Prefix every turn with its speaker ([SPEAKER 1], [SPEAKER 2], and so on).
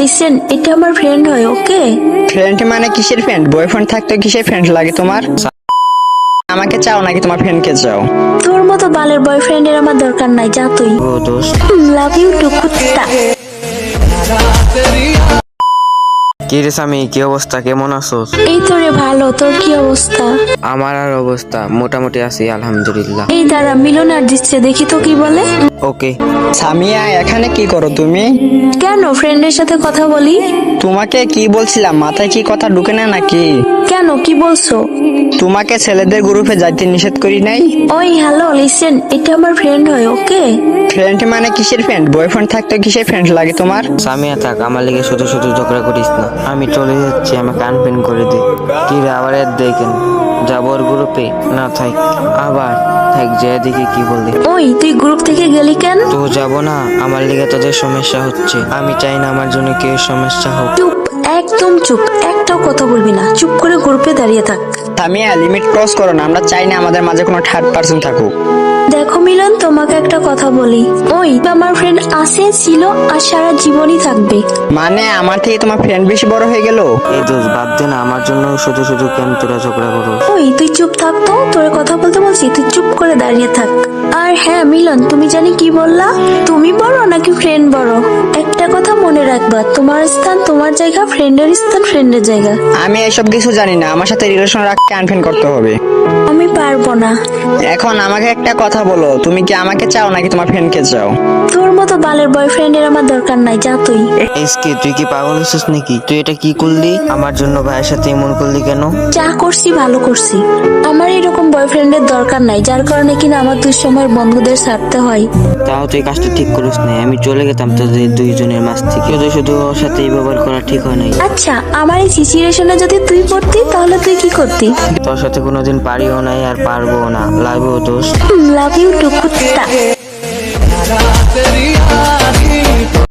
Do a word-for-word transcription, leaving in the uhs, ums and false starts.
[SPEAKER 1] Listen, এটা আমার friend হয়, ওকে?
[SPEAKER 2] ফ্রেন্ড মানে কিসের ফ্রেন্ড? বয়ফ্রেন্ড থাকতে কিসের ফ্রেন্ড লাগে তোমার? আমাকে চাও নাকি তোমার ফ্রেন্ডকে চাও?
[SPEAKER 1] তোর মতো বালের বয়ফ্রেন্ডের আমার দরকার নাই, যা তুই।
[SPEAKER 3] ও দোস্ত,
[SPEAKER 1] লাভ ইউ টু কুত্তা।
[SPEAKER 3] কি রে স্বামী, কি অবস্থা, কেমন আছোস?
[SPEAKER 1] এই তো রে ভালো, তোর কি অবস্থা?
[SPEAKER 3] আমার আর অবস্থা মোটামুটি আছি আলহামদুলিল্লাহ।
[SPEAKER 1] এই দাঁড়া, মিলন আর দিচ্ছে, দেখি তো কি বলে।
[SPEAKER 3] ওকে।
[SPEAKER 2] সামিয়া, এখানে কি করো তুমি?
[SPEAKER 1] কেন, ফ্রেন্ডের সাথে কথা বলি।
[SPEAKER 2] তোমাকে কি বলছিলাম, মাথায় কি কথা ঢুকে না নাকি?
[SPEAKER 1] কেন, কি বলছো?
[SPEAKER 2] তোমাকে ছেলেদের গ্রুপে যাইতে নিষেধ করি নাই?
[SPEAKER 1] ওই হ্যালো লিসেন, এটা আমার ফ্রেন্ড হয়, ওকে?
[SPEAKER 2] ফ্রেন্ড মানে কিসের ফ্রেন্ড? বয়ফ্রেন্ড থাকতে কিসের ফ্রেন্ড লাগে তোমার?
[SPEAKER 3] সামিয়া থাক, আমার লেগে শুধু শুধু ঝগড়া করিস না। আমি চলে যাচ্ছি, আমাকে আনপিন করে দে। কি রে, আবার এর দেখেন যাবো ওর গ্রুপে? না থাক, আবার থাক, যে দেখি কি বলে।
[SPEAKER 1] ওই তুই গ্রুপ থেকে গেলি কেন?
[SPEAKER 3] তো যাবো না, আমার লেগে তোদের সমস্যা হচ্ছে। আমি চাই না আমার জন্য কেউ সমস্যা হোক।
[SPEAKER 1] চুপ, একদম চুপ, একটাও কথা বলবি না, চুপ করে গ্রুপে দাঁড়িয়ে থাক।
[SPEAKER 2] সামিয়া, লিমিট ক্রস করো না, আমরা চাই না আমাদের মাঝে কোনো থার্ড পার্সন থাকুক।
[SPEAKER 1] দেখো মিলন, তোমাকে একটা কথা বলি, ওই আমার ফ্রেন্ড আছে, ছিল আর সারা জীবনই থাকবে।
[SPEAKER 2] মানে আমার থেকে তোমার ফ্রেন্ড বেশি বড় হয়ে গেল?
[SPEAKER 3] এই দোষ বাদ দে না, আমার জন্য শুধু শুধু কেন তোরা ঝগড়া করো?
[SPEAKER 1] ওই তুই চুপ থাক তো, তোর কথা বলতে বলছি, তুই চুপ করে দাঁড়িয়ে থাক। আর হ্যাঁ মিলন, তুমি জানি কি বললা, তুমি বড় নাকি ফ্রেন্ড বড়? একটা কথা মনে রাখবা, তোমার স্থান তোমার জায়গা, ফ্রেন্ডের স্থান ফ্রেন্ডের জায়গা।
[SPEAKER 2] আমি এসব কিছু জানি না, আমার সাথে রিলেশন রাখতে আনফ্রেন্ড করতে হবে।
[SPEAKER 1] আমি পারবো না।
[SPEAKER 2] এখন আমাকে একটা কথা বলো, তুমি কি আমাকে চাও নাকি তোমার ফ্রেন্ডকে চাও?
[SPEAKER 1] তোর মতো বালের বয়ফ্রেন্ডের আমার দরকার নাই, যা তুই।
[SPEAKER 3] এসকে, তুই কি পাগল হয়েছিস নাকি? তুই এটা কি করলি? আমার জন্য ভাইয়ের সাথে এমন করলি কেন?
[SPEAKER 1] যা করছি ভালো করছি। আমার এরকম বয়ফ্রেন্ডের দরকার নাই, যার কারণে কিনা আমার দুঃসময়ের বন্ধুদের ছাড়তে হয়।
[SPEAKER 3] তাও তুই কাজটা ঠিক করিস নাই, আমি চলে গেতাম তোদের দুইজনের মাঝ থেকে। শুধু শুধু ওর সাথে এই ব্যবহার করা ঠিক হয় নাই।
[SPEAKER 1] আচ্ছা, আমার এই সিচুয়েশনে যদি তুই পড়তি তাহলে তুই কি করতি?
[SPEAKER 3] তোর সাথে কোনোদিন পারিও নাই আর পারবো না। লাভ দোষ।
[SPEAKER 1] লাভ ইউ টু কুত্তা।